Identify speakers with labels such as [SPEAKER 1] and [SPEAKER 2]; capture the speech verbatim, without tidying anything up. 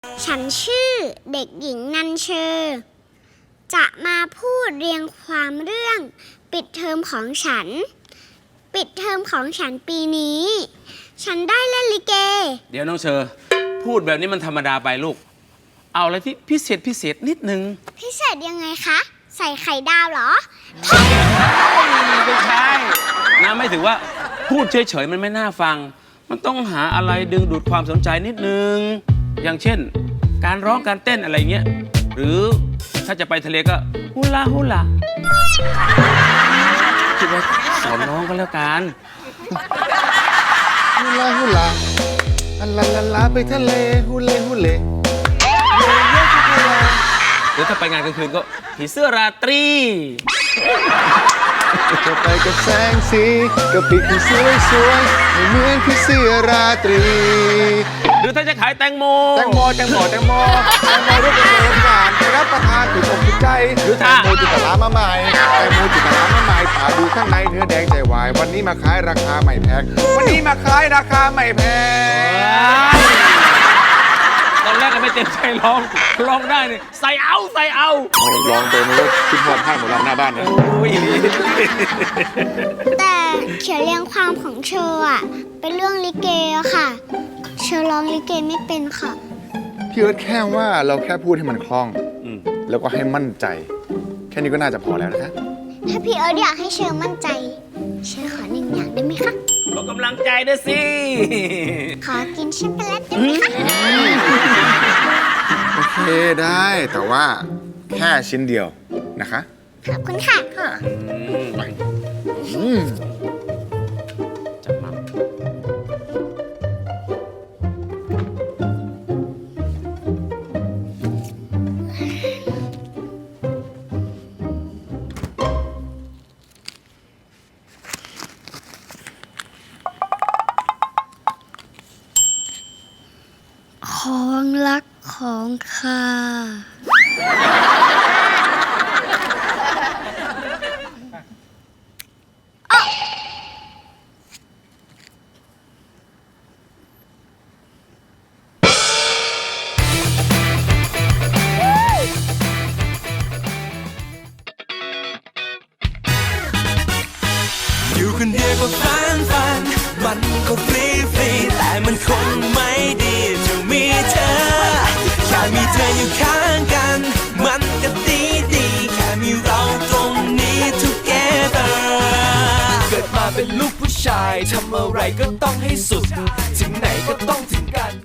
[SPEAKER 1] ฉันชื่อเด็กหญิงนันเชอร์จะมาพูดเรียงความเรื่องปิดเทอมของฉันปิดเทอมของฉันปีนี้ฉันได้เล่นลิเก
[SPEAKER 2] เดี๋ยวน้องเชอร์พูดแบบนี้มันธรรมดาไปลูกเอาอะไรที่พิเศษพิเศษนิดนึง
[SPEAKER 1] พิเศษยังไงคะใส่ไข่ดาวเหรอ
[SPEAKER 2] ไม่ใช่นะไม่ถือว่าพูดเฉยๆมันไม่น่าฟังมันต้องหาอะไรดึงดูดความสนใจนิดนึงอย่างเช่นการร้องการเต้นอะไรเงี้ยหรือถ้าจะไปทะเลก็ฮูลาฮูลาคิดว่าสอนน้องก็แล้วกัน
[SPEAKER 3] ฮูลาฮูลาอัลลาลาลาไปทะเลฮูเลฮูเล
[SPEAKER 2] หรือถ้าไปงานกลางคืนก็ผีเสื้อราตรี
[SPEAKER 3] จะไปกับแสงสีกับปีกที่สวยสวยให้เหมือนผีเสื้อราตรี
[SPEAKER 2] หรือถ้าจะขายแตงโม
[SPEAKER 3] แตงโมแตงโมแตงโมแตงโมรูปเป็นหวานไปรับประทานถูกอกถูกใจ
[SPEAKER 2] หรือถ้า
[SPEAKER 3] แตงโมจิตลามาใหม่แตงโมจิตลามาใหม่ป่าดูข้างในเนื้อแดงใจวายวันนี้มาขายราคาไม่แพงวันนี้มาขายราคาไม่แพง
[SPEAKER 2] ตอนแรกก็ไม่เต็มใจร้องร้องได้เนี่ยใส่เอาใส่เอา
[SPEAKER 3] ร้องตัวนี้ก็คิดพอดให้หมดแล้วหน้าบ้านนะ
[SPEAKER 1] แต่เขียนเรียงความของเชออะเป็นเรื่องลิเกอะค่ะเชอร้องลิเกไม่เป็นค่ะ
[SPEAKER 3] พี่เอิร์ธแค่ว่าเราแค่พูดให้มันคล่องแล้วก็ให้มั่นใจแค่นี้ก็น่าจะพอแล้วนะคะ
[SPEAKER 1] ถ้าพี่เอิร์ธอยากให้เชอมั่นใจเชอขอหนึ่งอย่างได้ไหมคะ
[SPEAKER 2] ขอกำลังใจด้วยสิ
[SPEAKER 1] ขอกินช็อกโกแลตได้ไหมคะ
[SPEAKER 3] โอเคได้แต่ว่าแค่ชิ้นเดียวนะคะ
[SPEAKER 1] ขอบคุณค่ะ
[SPEAKER 3] ค่ะไป
[SPEAKER 2] จับมา
[SPEAKER 1] ของรักของข้า
[SPEAKER 4] อยู่คนเดียวก็ฟันฟันมันก็ฟรีฟรีแต่มันคงไม่ดีจะมีเธอแค่มีเธออยู่ข้างกันมันก็ดีดีแค่มีเราตรงนี้ together เกิดมาเป็นลูกผู้ชายทำอะไรก็ต้องให้สุดถึงไหนก็ต้องถึงกัน